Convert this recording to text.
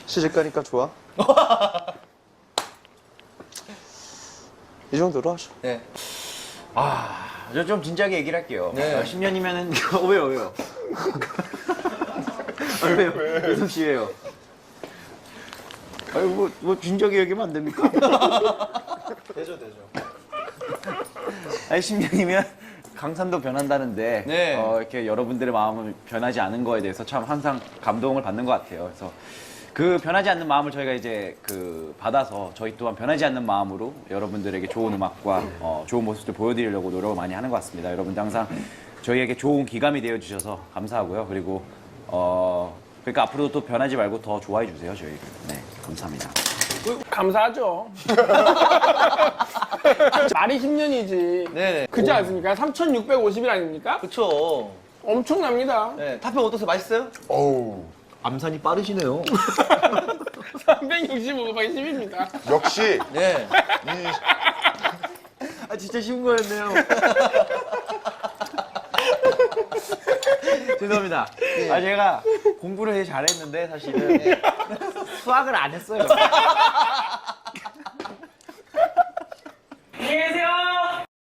시집 가니까 좋아. 이 정도로 하죠. 네. 저 좀 진지하게 얘기를 할게요. 네. 10년이면은 왜요? 왜요? 유성 씨 왜요? 아니 뭐 진지하게 얘기하면 안 됩니까? 되죠. 아니 10년이면 강산도 변한다는데 네. 이렇게 여러분들의 마음은 변하지 않은 거에 대해서 참 항상 감동을 받는 것 같아요. 그래서 그 변하지 않는 마음을 저희가 이제 받아서 저희 또한 변하지 않는 마음으로 여러분들에게 좋은 음악과 좋은 모습들 보여드리려고 노력을 많이 하는 것 같습니다. 여러분들 항상 저희에게 좋은 기감이 되어 주셔서 감사하고요. 그리고 그러니까 앞으로도 또 변하지 말고 더 좋아해 주세요. 저희를. 네, 감사합니다. 감사하죠. 말이 10년이지. 네네. 그지 않습니까? 3,650일 아닙니까? 그쵸. 엄청납니다. 네. 탑평 어떠세요? 맛있어요? 어우, 암산이 빠르시네요. 365가 10입니다. 역시 네. 아 진짜 쉬운 거였네요. 죄송합니다. 아 제가 공부를 되게 잘했는데 사실은 수학을 안 했어요.